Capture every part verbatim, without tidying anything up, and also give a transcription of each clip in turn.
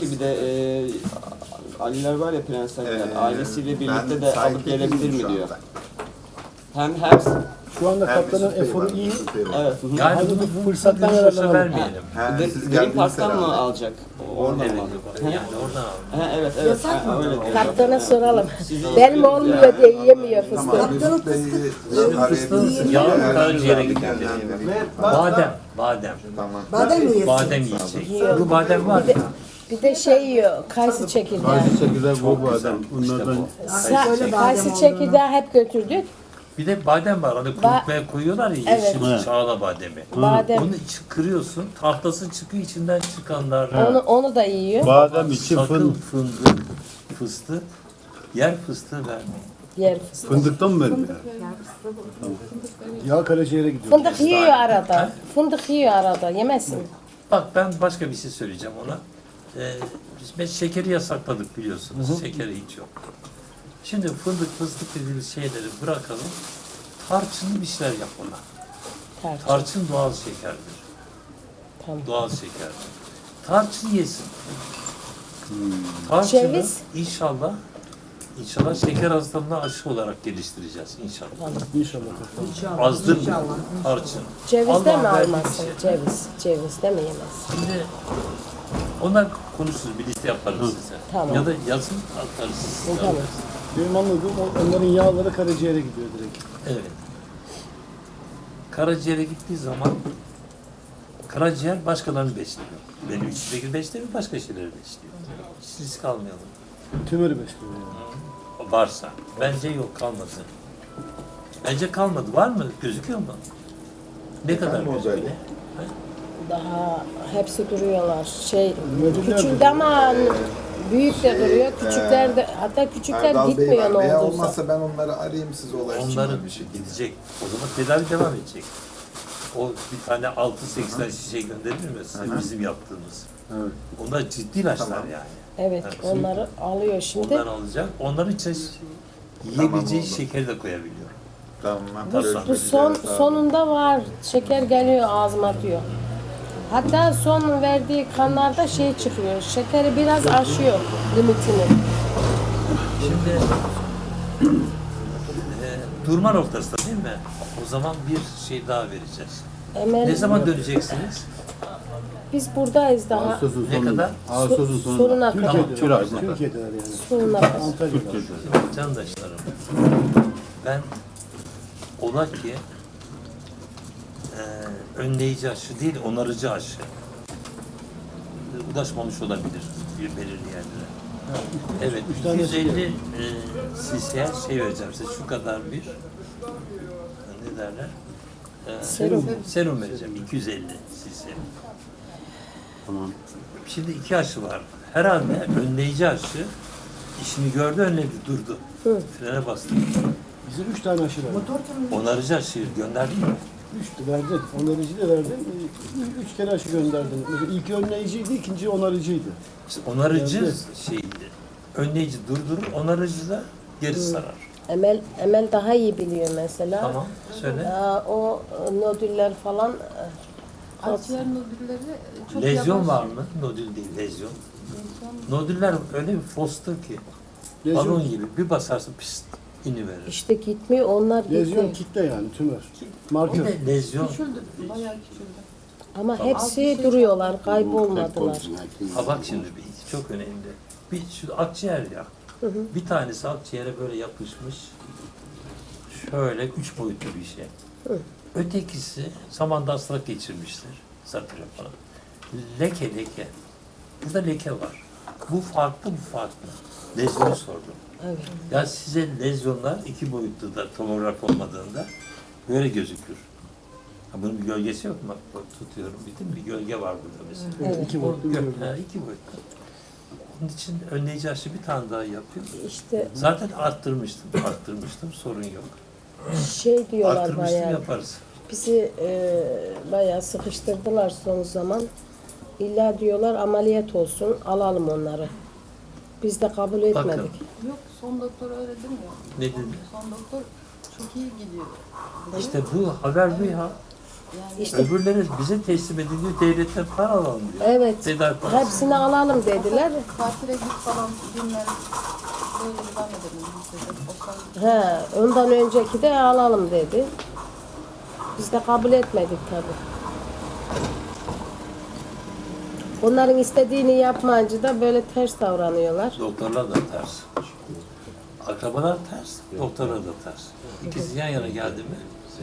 Peki bir de e, Aliler var ya, prensler, Ee, ailesiyle birlikte ben de sahip alıp gelebilir değilim mi şu diyor. anda. Hem hem Şu anda Hem kaptanın Mesut Bey eforu var, iyi. Mesut Bey var. evet. hı hı. Yani Hadi bunu bu bu fırsattan fırsattan yararlanalım. vermeyelim. Ha, Green, siz Green geldiğiniz Park'tan mı herhalde. alacak? Oradan Evet, mı? yani oradan al. Ha, evet evet. Yasak Ha, mı? öyle diyor. Kaptana Evet. soralım. Sizin- Benim olmuyor diye yiyemiyor fıstığı. Tamam, Mesut Bey'i arayabilirsiniz. Yağ Eğer karaciğere güzel bir gidiyor. değerlendireyim. Badem, badem. Tamam. Badem mi yesin? Badem yiyecek. Yiyor. Bu badem var ya. Bir de şey yiyor, kayısı çekirdeği. Kayısı çekirdeği bu bu güzel. adam. İşte Bunlardan bu. Sa- Söyle badem kayısı olduğunu. çekirdeği hep götürdük. Bir de badem var. Hani kurutmaya koyuyorlar ya, Evet. yeşil Evet. çağla bademi. Badem. Onu içi kırıyorsun, tahtası çıkıyor, içinden çıkanlar. Onu onu da yiyor. badem için Sakın fın, fındık, fıstık, yer fıstığı vermeyin. Yer fıstığı. fındıktan mı vermiyor? Yağ karaciğere gidiyor. Fındık yiyor arada. Fındık yiyor arada. Yemesin. Bak ben başka bir şey söyleyeceğim ona. Ee, biz biz şekeri yasakladık biliyorsunuz. Şekeri hiç yok. Şimdi fındık, fıstık dediğimiz şeyleri bırakalım. Tarçınlı bir şeyler yap ona. Tarçın. Tarçın doğal şekerdir. Tamam. Doğal şekerdir. Tarçın yesin. Tarçını Ceviz? inşallah inşallah şeker hastalığına aşı olarak geliştireceğiz inşallah. İnşallah. Azdır mı? Tarçın. Cevizde Allah'ın mi verdiği almasın? bir şey. Ceviz. Cevizde mi yemez? Şimdi onlar konuşuruz, bir liste yaparız size. Tamam. Ya da yazın atarız. siz Tamam. alırız. Benim anladığım o- onların yağları karaciğere gidiyor direkt. Evet. Karaciğere gittiği zaman karaciğer başkalarını besliyor. Benim içindeki beslemiyor, başka şeyleri besliyor. Hiç risk almayalım. Tümörü besliyor yani. Varsa. Bence yok, kalmadı. Bence kalmadı. Var mı? Gözüküyor mu? Ne kadar Efendim, o gözüküyor? böyle. Daha hepsi duruyorlar. Şey Nöbetler küçük ama büyük de duruyor. Küçükler de hatta küçükler Erdal Bey gitmiyor var. ne Veya olduysa. olmazsa ben onları arayayım, size ulaşayım. Onların bir şey. gidecek. O zaman tedavi devam edecek. O bir tane altı seksen şişe gönderilir mi size, bizim yaptığımız? Evet. Onlar ciddi ilaçlar Tamam. yani. Evet, Evet. onları alıyor şimdi. Ondan alacak. Onların içine yiyebileceği oldu. şekeri de koyabiliyor. Tamam. Bu, görüşmek bu üzere, son sağ olun. sonunda var. Şeker geliyor ağzıma atıyor. Hatta son verdiği kanlarda şey çıkıyor. Şekeri biraz aşıyor limitini. Şimdi e, durma noktasında değil mi? O zaman bir şey daha vereceğiz. Emel, Ne zaman döneceksiniz? biz buradayız daha. Ağustos'un Ne sonunda. kadar? Ağustos'un So- sonunda. sonuna kadar. Türkiye'de, Tamam, çok Türkiye'deler yani. Sonuna kadar. Antalya'da. Candaşlarım, ben ola ki e, önleyici aşı değil, onarıcı aşı ulaşmamış olabilir bir belirli yerlere. Evet, üç tane iki yüz elli e, cc'ye şey vereceğim size, şu kadar bir ne derler? E, Serum. Serum vereceğim, iki yüz elli cc. Tamam. Şimdi iki aşı var. Herhalde önleyici aşı işini gördü, önledi, durdu. Frene bastı. Bize üç tane aşı verdi. Onarıcı aşıyı gönderdin mi? Üç de verdin. Onarıcı da verdin. Üç, üç kere aşı gönderdin. Mesela ilki önleyiciydi, ikinci onarıcıydı. İşte onarıcı Evet. şeydi. Önleyici durdurur, onarıcı da geri sarar. Emel Emel daha iyi biliyor mesela. Tamam, söyle. Aa, o e, nodüller falan e, Akciğer nodülleri çok Lezyon yavaş. var mı? Nodül değil, lezyon. Nodüller öyle bir fostur ki, Lezyon- balon gibi bir basarsın pist iniverir. işte gitmiyor, onlar Lezyon gitti. kitle yani tümör. O Markör. ne lezyon? Küçüldü, bayağı küçüldü. Ama hepsi duruyorlar, kaybolmadılar. Ha bak şimdi bir çok önemli. Bir şu akciğer ya. Bir tanesi akciğere böyle yapışmış. Şöyle üç boyutlu bir şey. Ötekisi zamanda hastalık geçirmiştir. Zatürre falan. Leke leke. Burada leke var. Bu farklı, bu farklı. Lezyonu sordum. Evet. Ya size lezyonlar iki boyutlu da tomograf olmadığında böyle gözükür. Ha, bunun bir gölgesi yok mu? Bak, bak tutuyorum. Bildin mi? Bir gölge var burada mesela. Evet. İki boyutlu bir Gö- gölge. ha, iki boyutlu. Onun için önleyici aşı bir tane daha yapıyor. İşte Zaten arttırmıştım, arttırmıştım. Sorun yok. şey diyorlar Arttırmıştım, bayağı. yaparız. Bizi e, bayağı sıkıştırdılar son zaman. İlla diyorlar ameliyat olsun, alalım onları. Biz de kabul etmedik. Bakın. Yok, son doktor öyle demiyor. Ne dedi? Son doktor çok iyi gidiyor. İşte bu haber bu ya. İşte Öbürleri bize teslim ediliyor, devletten para alalım diyor. evet. Tedarik parası. Hepsini alalım dediler. Tatile git falan günler böyle devam edelim biz dedi. O He, ondan önceki de alalım dedi. Biz de kabul etmedik tabii. Onların istediğini yapmayınca da böyle ters davranıyorlar. Doktorlar da ters. Akrabalar ters, doktorlar da ters. İkisi yan yana geldi mi?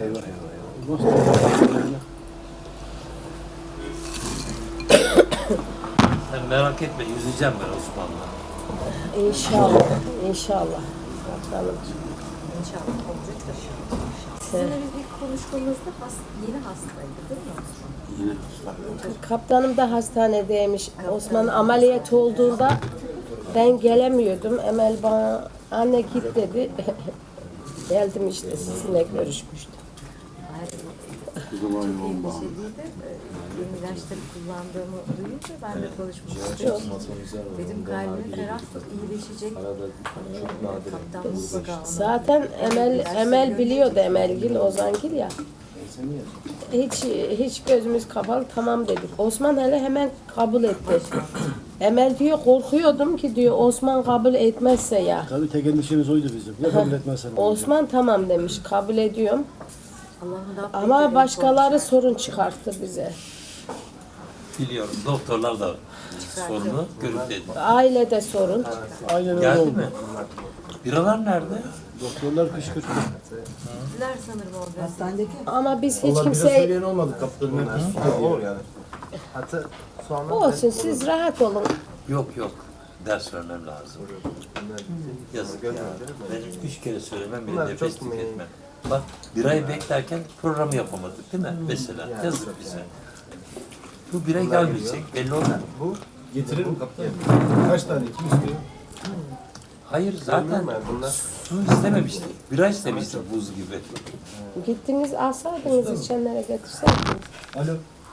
Sen merak etme, yüzeceğim ben Osman'la. İnşallah, inşallah. Bakalım. İnşallah olacak da. Sizinle biz ilk konuştuğumuzda has, yeni hastaydı değil mi Osman? Kaptanım da hastanedeymiş. Osman ameliyat olduğunda ben gelemiyordum. Emel bana anne git dedi. Geldim işte sizinle görüşmüştüm. Çok iyi bir şey değil de yeni ilaçları kullandığımı duyunca ben de konuşmak istedim. Dedim kalbini ferah tut, iyileşecek. Kaptan mutlaka ona. Zaten Emel Emel biliyordu Emelgil, Ozangil ya. Hiç hiç gözümüz kapalı tamam dedik. Osman hele hemen kabul etti. Emel diyor korkuyordum ki diyor Osman kabul etmezse ya. Tabii tek endişemiz oydu bizim. Ya kabul etmezsen. Osman tamam demiş kabul ediyorum. Allah'ın da Ama başkaları sorun çıkarttı bize. Biliyorum, doktorlar da sorunu görüp dedi. Ailede sorun. Aynen öyle Geldi oldu. mi? Biralar nerede? Doktorlar kışkırttı. Diler sanırım o hastanedeki. Ama biz hiç Hiç kimseye olmadı kaptanın. Olur yani. Hatta sonra olsun siz rahat olun. Yok yok, ders vermem lazım. Yazık ya. Ben üç kere söylemem, bile Bunlar nefes çok mu- tüketmem. Bak, bir ay beklerken programı yapamadık değil mi? Mesela, yazık bize. Bu bire gelmeyecek, belli olmaz. bu getirir mi kaptan? Kaç tane? Kim istiyor? Hayır, zaten Bunlar su istememiştik. Bira istemiştik buz gibi. Gittiniz alsaydınız içenlere getirseydiniz. Alo.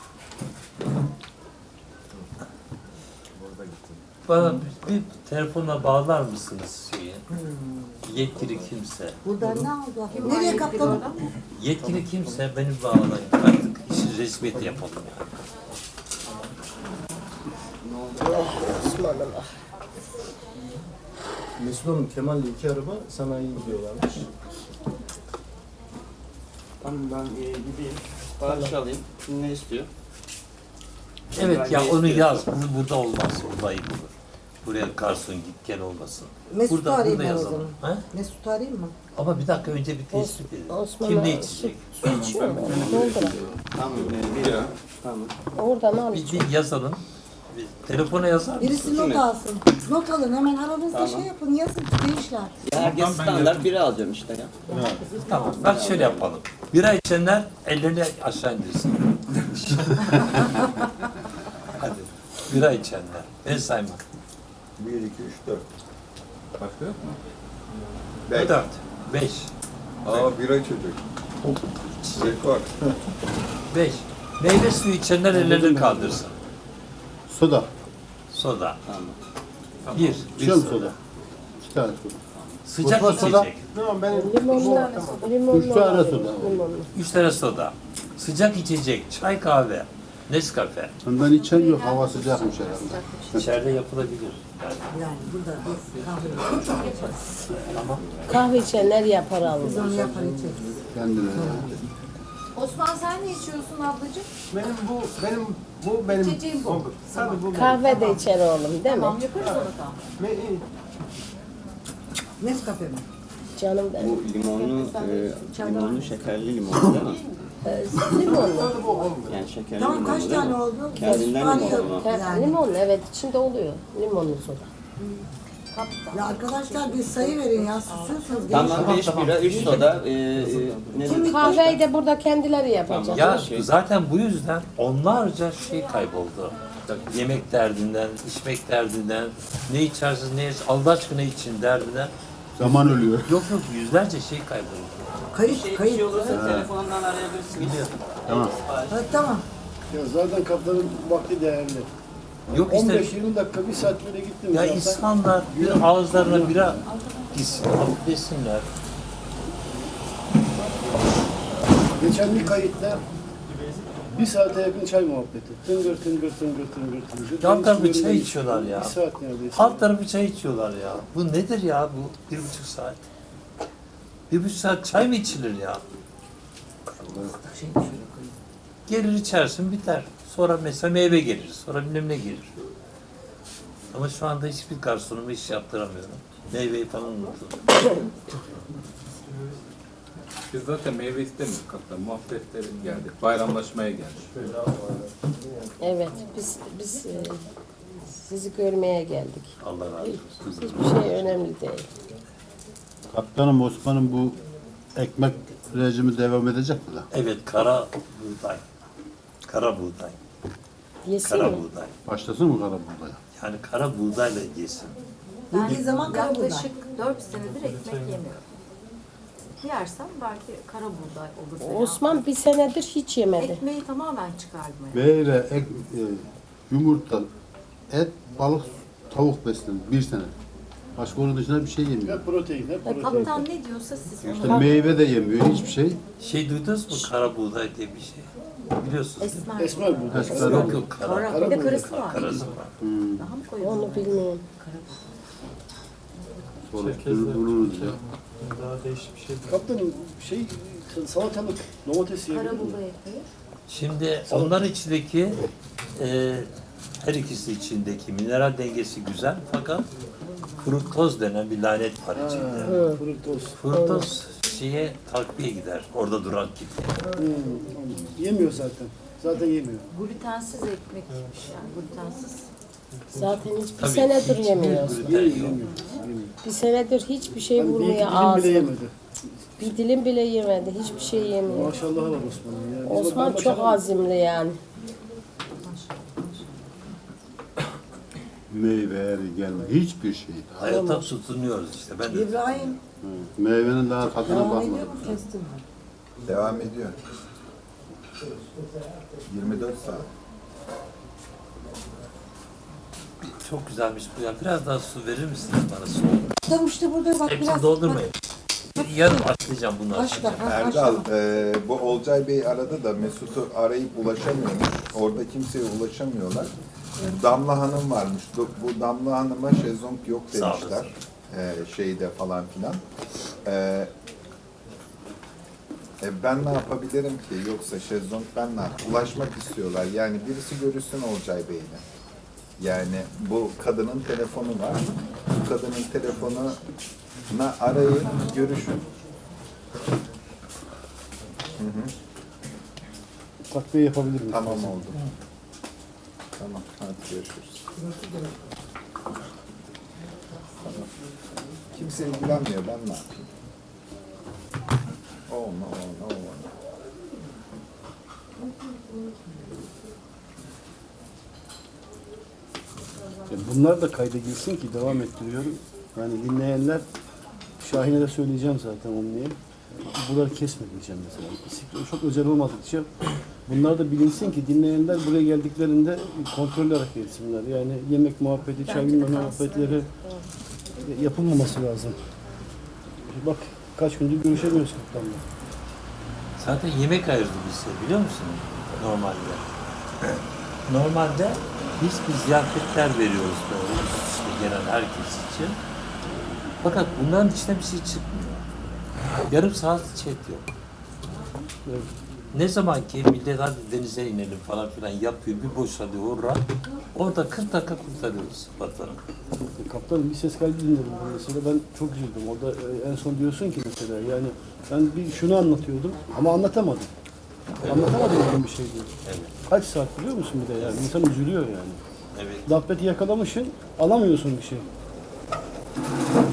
Bana bir, bir telefonla bağlar mısınız şeyi? Yetkili kimse. Burada ne oldu? Nereye kaptanım? Yetkili kimse beni bağlayın. Artık işi resmiyet yapalım yani. Osman'ım. Mesut Hanım Kemal'le iki araba sanayiye gidiyorlarmış. Tamam ben e, gideyim. Sipariş alayım. Kim ne istiyor? Evet ya Ne onu istiyorsun? yaz. Bu burada olmaz. Burada ayıp olur. Buraya garson git gel olmasın. Mesut'u Burada, arayayım burada ben o yazalım. zaman. Ha? Mesut'u arayayım mı? Ama bir dakika önce bir tespit edelim. Osman'a Kim ne su, içecek? su içiyor mu? Doldurun. Tamam e, bira. Tamam. Oradan al. Bir, bir yazalım. Bir telefona yazar mısın? Birisi not mi? alsın. Not alın hemen aranızda şey yapın yazın gençler. Ya herkes standart bira alacağım işte ya. Tamam. Bak şöyle yapalım. Bira içenler ellerini aşağı indirsin. Hadi. Bira içenler. El saymak. bir, iki, üç, dört. Başka yok mu? Beş. Dört. Beş. Aa bira çocuk. Rekor. Beş. Meyve suyu içenler ellerini kaldırsın. Soda. Soda. Tamam. Bir. Bir İçiyor musun soda. soda? İki tane soda. Sıcak Mutfak soda. içecek. Tamam ben Limonlu. Limonlu. Üç tane alayım, soda. Limonlu. Üç tane soda. Sıcak içecek. Çay, kahve. Nescafe. Ondan içen yok. Hava sıcakmış herhalde. İçeride yapılabilir. Yani, Yani burada biz kahve tamam. Kahve içenler yapar alır. biz onu yapar içeriz. Kendine. Osman sen ne içiyorsun ablacığım? benim bu benim bu benim İçeceğim bu. Tabii bu Kahve de içer oğlum değil mi? Tamam yaparız onu tamam. benim. Me- Nescafe mi? Canım benim. Bu limonlu, e, limonlu şekerli limonlu değil mi? Ee, limonlu. Bu olmuyor. Yani şekerli Tamam limonlu kaç değil tane mi? oldu? Kendinden Mesut arıyor. limonlu. Ke- Limonlu evet içinde oluyor. Limonlu soda. Ya arkadaşlar bir sayı verin ya susuyorsunuz. Tamam beş bira, üç soda. E, e, ne dedik? Kahveyi de burada kendileri yapacak. Ya Şey- zaten bu yüzden onlarca şey kayboldu. Yemek derdinden, içmek derdinden, ne içersiniz, ne içersiniz, Allah aşkına için derdinden. Zaman ölüyor. Yok yok yüzlerce şey kayboldu. Kayıt kayıt. olursa telefonundan arayabilirsiniz. Tamam. Ha, tamam. Ya zaten kaptanın vakti değerli. Yok işte on beş yirmi dakika, bir saat böyle gittim. ya zaten. insanlar bir ağızlarına bira gitsin, alıp desinler. Geçen bir kayıtta Bir saate yakın çay muhabbeti. Tıngır tıngır tıngır tıngır tıngır. Alt tarafı Ben hiç çay görmedim. içiyorlar ya. Bir saat neredeyse. Alt tarafı çay içiyorlar ya. Bu nedir ya bu bir buçuk saat? Bir buçuk saat çay mı içilir ya? Gelir içersin biter. Sonra mesela meyve gelir. Sonra bilmem ne gelir. Ama şu anda hiçbir garsonuma iş yaptıramıyorum. Meyveyi falan unuttum. Biz zaten meyve istemiyoruz kaptan. Muhabbetlerin geldik. Bayramlaşmaya geldik. Evet, biz biz e, sizi görmeye geldik. Allah razı olsun. Hiçbir şey önemli değil. Kaptanım Osman'ın bu ekmek rejimi devam edecek mi da? Evet, kara buğday. Kara buğday. Yesin Kara mi? buğday. Başlasın mı kara buğdaya? Yani kara buğdayla yesin. Ben Yediği zaman kara buğday. yaklaşık dört senedir ekmek yemiyorum. Yersem belki kara buğday olur. veya- Osman bir senedir hiç yemedi. Ekmeği tamamen çıkardım. Yani. Meyve, ek, e, yumurta, et, balık, tavuk beslenir bir sene. Başka onun dışında bir şey yemiyor. Hep protein, hep protein. Kaptan ne diyorsa siz İşte onu... meyve de yemiyor, hiçbir şey. Şey duydunuz mu? Kara buğday diye bir şey. Biliyorsunuz değil mi? Esmer. Esmer buğday. Esmer. Yok yok kara. Kara. Kara Bir de buğday. karısı var. Karası var. Hmm. Daha mı koyuyor? Onu bilmiyorum. Sonra buluruz ya. Daha değişik bir şey. Kaptanım şey salatalık, domates yiyebilir Kara mi? buğday ekmeği. Şimdi onların içindeki e, her ikisi içindeki mineral dengesi güzel fakat fruktoz denen bir lanet var içinde. Ha, fruktoz. Fruktoz şeye takviye gider. Orada duran gibi. Hmm, yemiyor zaten. Zaten yemiyor. Glutensiz ekmekmiş yani glutensiz. Zaten hiçbir Tabii, senedir hiç yemiyor. gluten Yemiyor, yok. yemiyor. yemiyor. Bir senedir hiçbir şey Ben bir iki vurmuyor dilim bile ağzına. yemedi. Bir dilim bile yemedi. Hiçbir şey yemiyor. Maşallah var Osman'ın ya. Biz Osman bak- çok maşallah- azimli yani. Meyve, eri gelme, hiçbir şey. Hayata tutunuyoruz işte. Ben de İbrahim. Hı. Meyvenin daha tadına Devam bakmadım. ediyor mu kestin mi? Devam ediyor. yirmi dört saat. çok güzelmiş bu ya. Biraz daha su verir misiniz bana soğuk? Tamam işte burada bak Hepsini biraz. doldurmayın. Yarım atlayacağım bunları. Başla. ha, Erdal, başla. e, bu Olcay Bey aradı da Mesut'u arayıp ulaşamıyormuş. Orada kimseye ulaşamıyorlar. Damla Hanım varmış. Bu bu Damla Hanım'a şezlong yok Sağ olasın. demişler. E, şeyde falan filan. E, e, ben ne yapabilirim ki? Yoksa şezlong ben ne yap- Ulaşmak istiyorlar. Yani birisi görüşsün Olcay Bey'le. Yani bu kadının telefonu var. Bu kadının telefonuna arayın, görüşün. Hı hı. Takviye yapabilir miyim? Tamam oldu. Tamam, hadi görüşürüz. Tamam. Kimse ilgilenmiyor, ben ne yapayım? Oh no, no, no. Ya bunlar da kayda girsin ki devam ettiriyorum. Yani dinleyenler, Şahin'e de söyleyeceğim zaten onu diye. Buraları kesme diyeceğim mesela. İstikrar çok özel olmadıkça bunlar da bilinsin ki dinleyenler buraya geldiklerinde kontrollü hareket etsinler. Yani yemek muhabbeti, çay Bence de bilmem kalsın, muhabbetleri evet, yapılmaması lazım. Bak kaç gündür görüşemiyoruz kaptanla. Zaten yemek ayırdı bize biliyor musun? Normalde. Normalde biz bir ziyafetler veriyoruz böyle işte gelen herkes için. Fakat bunların içinde bir şey çıkmıyor. Yarım saat chat yok. Evet. Ne zaman ki millet hadi denize inelim falan filan yapıyor, bir boşalıyor orada. Orada kırk dakika kurtarıyoruz vatanı. Kaptanım bir ses kaydı dinledim ben mesela, ben çok üzüldüm. Orada e, en son diyorsun ki mesela yani ben bir şunu anlatıyordum ama anlatamadım. Anlatamadım bir şey diyor. Evet, Kaç saat biliyor musun bir de yani insan üzülüyor yani. evet. Dabbeti yakalamışsın alamıyorsun bir şey.